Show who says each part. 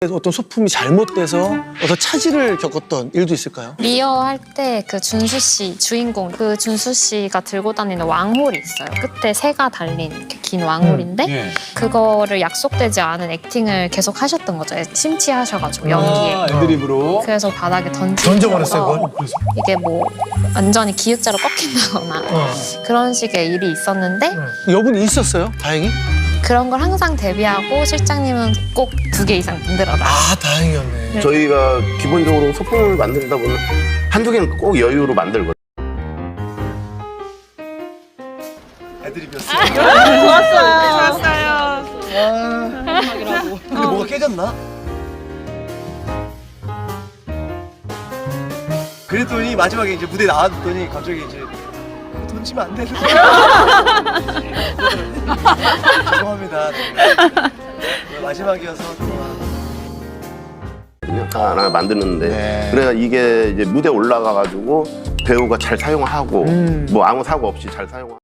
Speaker 1: 어떤 소품이 잘못돼서 어떤 차질을 겪었던 일도 있을까요?
Speaker 2: 리어 할 때 그 준수 씨 주인공 그 준수 씨가 들고 다니는 왕홀이 있어요. 끝에 새가 달린 이렇게 긴 왕홀인데
Speaker 3: 예.
Speaker 2: 그거를 약속되지 않은 액팅을 계속 하셨던 거죠. 심취하셔가지고 연기에.
Speaker 3: 애드립으로.
Speaker 2: 그래서 바닥에 던져버렸어요.
Speaker 1: 던져버렸어요, 그걸?
Speaker 2: 이게 뭐 완전히 기역자로 꺾인다거나 그런 식의 일이 있었는데
Speaker 1: 여분이 있었어요? 다행히?
Speaker 2: 그런 걸 항상 대비하고 실장님은 꼭 2개 이상 만들어라.
Speaker 1: 아, 다행이었네.
Speaker 4: 저희가 기본적으로 소품을 만들다 보면 한두 개는 꼭 여유로 만들거든요.
Speaker 3: 애드립이었어요.
Speaker 5: 좋았어요.
Speaker 3: 근데 뭐가 깨졌나? 그랬더니 마지막에 이제 무대 나왔더니 갑자기 이제 던지면 안 되는 거야. 죄송합니다. 마지막이어서
Speaker 4: 하나 만드는데
Speaker 1: 네.
Speaker 4: 그래서 이게 이제 무대 올라가가지고 배우가 잘 사용하고 뭐 아무 사고 없이 잘 사용하고